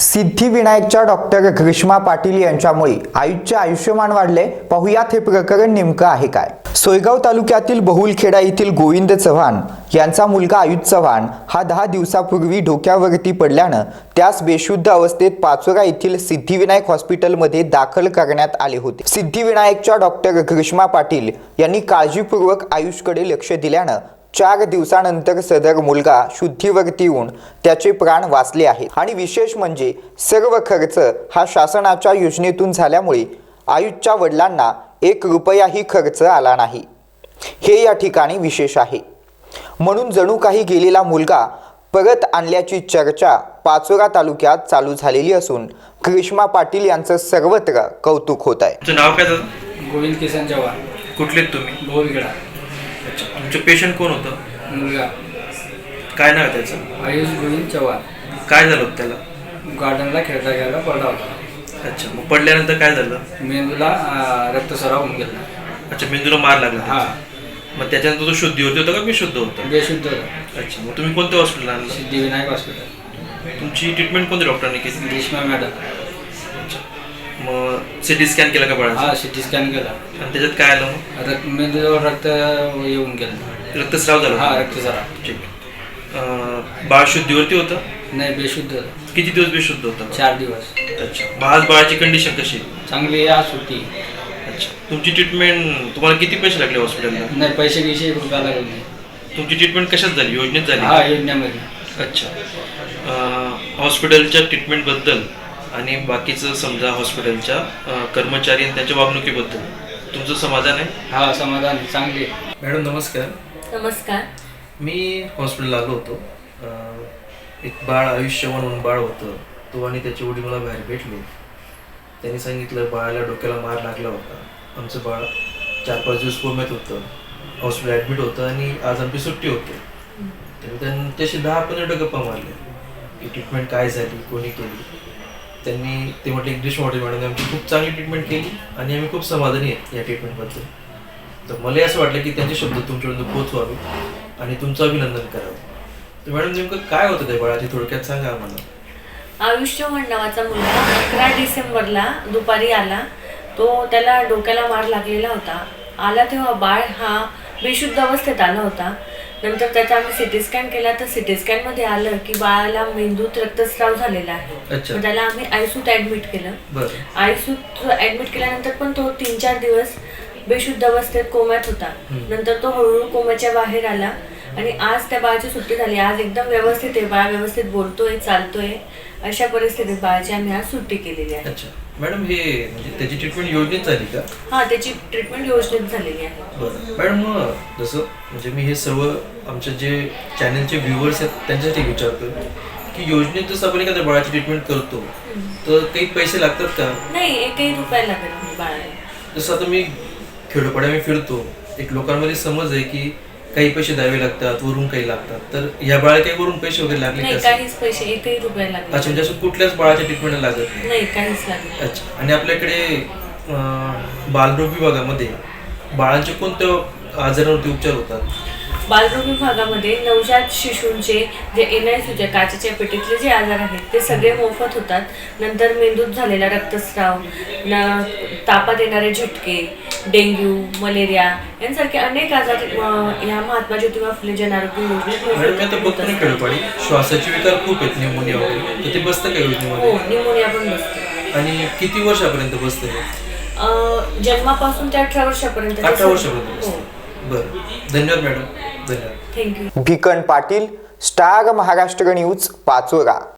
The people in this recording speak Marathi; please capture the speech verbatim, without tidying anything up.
सिद्धिविनायकच्या डॉक्टर ग्रीष्मा पाटील यांच्यामुळे आयुषचे आयुष्यमान वाढले। पाहुयात हे प्रकरण नेमकं आहे काय। सोयगाव तालुक्यातील बहुलखेडा येथील गोविंद चव्हाण यांचा मुलगा आयुष चव्हाण हा दहा दिवसापूर्वी डोक्यावरती पडल्यानं त्यास बेशुद्ध अवस्थेत पाचोरा येथील सिद्धिविनायक हॉस्पिटलमध्ये दाखल करण्यात आले होते। सिद्धिविनायकच्या डॉक्टर ग्रीष्मा पाटील यांनी काळजीपूर्वक आयुषकडे लक्ष दिल्यानं चार दिवसानंतर सदर मुलगा शुद्धीवरती येऊन त्याचे प्राण वाचले आहेत। आणि विशेष म्हणजे सर्व खर्च हा शासनाच्या योजनेतून झाल्यामुळे आयुषच्या वडिलांना एक रुपयाही खर्च आला नाही, हे या ठिकाणी विशेष आहे। म्हणून जणू काही गेलेला मुलगा परत आणल्याची चर्चा पाचोरा तालुक्यात चालू झालेली असून ग्रीष्मा पाटील यांचं सर्वत्र कौतुक होत आहे। तुमचं नाव काय दादा? गोविंद किसन चव्हाण। कुठले तुम्ही? बहुलखेडा। अच्छा, तुमचं पेशंट कोण होतं? मुलगा काय नाव आहे त्याचं? आयुष गोविंद चव्हाण। काय झालं होतं त्याला? गार्डनला खेळता खेळता पडला होता। अच्छा, मग पडल्यानंतर काय झालं? मेंदूला रक्तस्राव होऊन गेला। अच्छा, मेंदूला मार लागला? हा। मग त्याच्यानंतर तो शुद्धीवरती होता का बेशुद्ध होता? बेशुद्ध होता। अच्छा, मग तुम्ही कोणत्या हॉस्पिटलला आणलं? सिद्धिविनायक हॉस्पिटल। तुमची ट्रीटमेंट कोणत्या डॉक्टरांनी केली? ग्रीष्मा मॅडम। अच्छा, मग सिटी स्कॅन केला का बाळाचा? हा, सिटी स्कॅन केला आणि त्याच्यात काय आलं? मग रक्त मेंदूजवळ रक्त येऊन गेलं। रक्तस्राव झाला? हा, रक्तस्राव। ठीक। अं, बाळ शुद्धीवरती होतं? नाही, बेशुद्ध होता। किती दिवस बेशुद्ध होतं? चार दिवस। अच्छा, मग आज बाळाची कंडिशन कशी आहे? चांगली आज सुट्टी। अच्छा, तुमची ट्रीटमेंट तुम्हाला किती पैसे लागले हॉस्पिटलला? नाही, पैसे गिशे एक रुपया लागले नाही। तुमची ट्रीटमेंट कशात झाली? योजनेत झाली? हा, योजनेमध्ये। अच्छा, हॉस्पिटलच्या ट्रीटमेंटबद्दल आणि बाकीचं समजा हॉस्पिटलच्या अं, कर्मचारी आणि त्यांच्या वागणुकीबद्दल तुमचं समाधान आहे? हा, समाधान चांगले। मॅडम नमस्कार। नमस्कार। मी हॉस्पिटलला आलो होतो। अं, एक बाळ आयुष्य म्हणून बाळ होतं, तो आणि त्याचे वडील मला बाहेर भेटले। त्यांनी सांगितलं बाळाला डोक्याला मार लागला होता, आमचं बाळ चार पाच दिवस कोम्यात होतं, हॉस्पिटल ॲडमिट होतं आणि आज आमची सुट्टी होती। तर त्यांनी तसे दहा पंधरा गप्पा मारले की ट्रीटमेंट काय झाली, कोणी केली। त्यांनी ते म्हटले ग्रीष्मा पाटील मॅडमने आमची खूप चांगली ट्रीटमेंट केली आणि आम्ही खूप समाधानी आहेत या ट्रीटमेंटबद्दल। तर मला असं वाटलं की त्यांचे शब्द तुमच्यापर्यंत पोहोचवावे आणि तुमचं अभिनंदन करावं। तर मॅडम नेमकं काय होतं त्या बाळाची, थोडक्यात सांगा आम्हाला। आयुष चव्हाण नावाचा मुलगा अकरा डिसेंबरला दुपारी आला। तो त्याला डोक्याला मार लागलेला होता। आला तेव्हा बाळ हा बेशुद्ध अवस्थेत आला होता। नंतर त्याचा आम्ही सिटी स्कॅन केला तर सिटी स्कॅनमध्ये आलं की बाळाला मेंदूत रक्तस्राव झालेला आहे। अच्छा। मग त्याला आम्ही आयसूत ॲडमिट केलं। बरं। आयसूत ॲडमिट केल्यानंतर पण तो तीन चार दिवस बेशुद्ध अवस्थेत कोम्यात होता। नंतर तो हळूहळू कोम्याच्या बाहेर आला आणि आज त्या बाळाची सुट्टी झाली। आज एकदम व्यवस्थित आहे, बाळ व्यवस्थित बोलतोय, चालतोय। अशा परिस्थितीत बाळाची आम्ही आज सुट्टी केलेली आहे। अच्छा मॅडम, हे म्हणजे त्याची ट्रीटमेंट योजनेत झाली का? हा, त्याची ट्रीटमेंट योजनेत झालेली आहे। बरं मॅडम, मग जसं म्हणजे मी हे सर्व आमचे जे चॅनलचे व्ह्युअर्स आहेत त्यांच्यासाठी विचारतो की योजनेत जसं आपण एखाद्या बाळाची ट्रीटमेंट करतो तर काही पैसे लागतात का? नाही, एकही रुपया लागत नाही बाळाला। जसं आता मी खेडोपाड्या मी फिरतो, एक लोकांमध्ये समज आहे की काही पैसे द्यावे लागतात, वरून काही लागतात, तर या बाळाला काही वरून पैसे वगैरे लागले नाही, का? काहीच पैसे एकही रुपया लागत अच्छा, म्हणजे असं कुठल्याच बाळाच्या ट्रीटमेंटला लागत नाही? नाही, काहीच लागत। अच्छा, आणि आपल्याकडे अं, बालरोग विभागामध्ये बाळांचे कोणत्या आजारावरती उपचार होतात? बालरोग विभागामध्ये नवजात शिशूंचे जे एन आय सीचे काचेच्या पेटीतले जे आजार आहेत ते सगळे मोफत होतात। नंतर मेंदूत झालेला रक्तस्राव, न तापात येणारे झटके, डेंग्यू, मलेरिया यांसारखे अनेक आजार ह्या महात्मा ज्योतिबा फुले जन आरोग्य मॅडम, मी आता बघतो ना खेडोपाडी श्वासाचे विकार खूप आहेत, निमोनिया वगैरे, तर ते बसतं का योजनेमध्ये? हो, निमोनिया पण बसतो। आणि किती वर्षापर्यंत बसतं? जन्मापासून ते अठरा वर्षापर्यंत। अठरा वर्षापर्यंत बसतं? हो। बरं, धन्यवाद मॅडम, धन्यवाद। Thank you. Bhikan Patil, star Maharashtra news, Pachora.